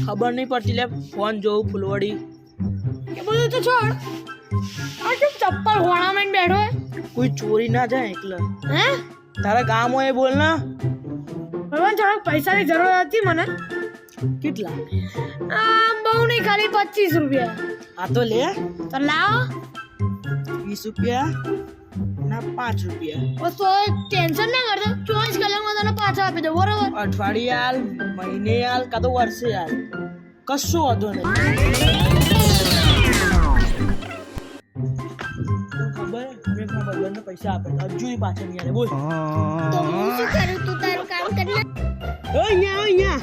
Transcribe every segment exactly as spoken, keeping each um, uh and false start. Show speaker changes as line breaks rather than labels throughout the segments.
ખબર નહીં પડતી લે ફોન જોઉં ફૂલવડી
એ બધું તો છોડ આ કેમ ચપ્પલ હોણામાં બેઠો હે
કોઈ ચોરી ના જાય એકલા
હે
તારા ગામ હોય એ બોલ ના
ભગવાન થોડાક પૈસાની જરૂર હતી મને
કેટલા
આ બહુ નહીં ખાલી પચીસ રૂપિયા
આ તો લે
તો લાવો
વીસ રૂપિયા ના પાંચ રૂપિયા
ઓ તો ટેન્શન ના કરતો ચોવીસ કલાકમાં તને પાછા આપી દઉં બરોબર
અઠવાડિયે હાલ મહિને હાલ કાં તો વર્ષે હાલ કશું વાંધો નહીં ખબર મેં મારા ભાઈબંધને પૈસા આપે હજુ પાછા નહીં આવે બોલ
તો હું શું કરું તું તારું કામ કરી લે
ઓ અહીંયા અહીંયા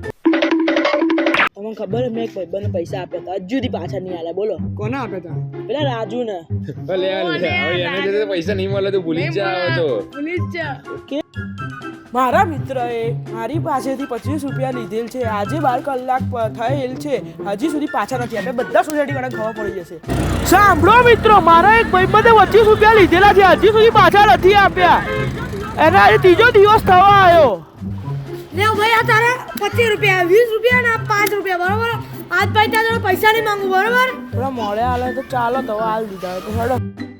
તમને ખબર મેં એક ભાઈબંધને પૈસા આપ્યા હતા હજુ સુધી પાછા નહીં આલ્યા બોલો
કોને આપ્યા હતા
પેલા રાજુ ને
ભલે યાર, હવે એને જતો પૈસા નહીં મળે તો ભૂલી જ જાવ તો
ભૂલી જ જા
મારા મિત્રએ મારી પાસેથી પચીસ રૂપિયા લીધેલ છે આજે બાર કલાક પ- થયેલ છે હજી સુધી પાછા નથી આપ્યા બધા સોસાયટી વાળા ખબર પડી જશે સાંભળો મિત્રો મારા એક ભાઈબંધે પચીસ રૂપિયા લીધેલા છે હજી સુધી પાછા નથી આપ્યા એના આજે ત્રીજો દિવસ થવા આવ્યો
લે ભાઈ આ તારે પચીસ રૂપિયા વીસ રૂપિયા ને પાંચ રૂપિયા બરોબર આજ ભાઈ તારા પૈસા નહીં માંગુ બરોબર
થોડા મોડે હાલે તો ચાલો તો હાલ દીધા હોય તો હેડો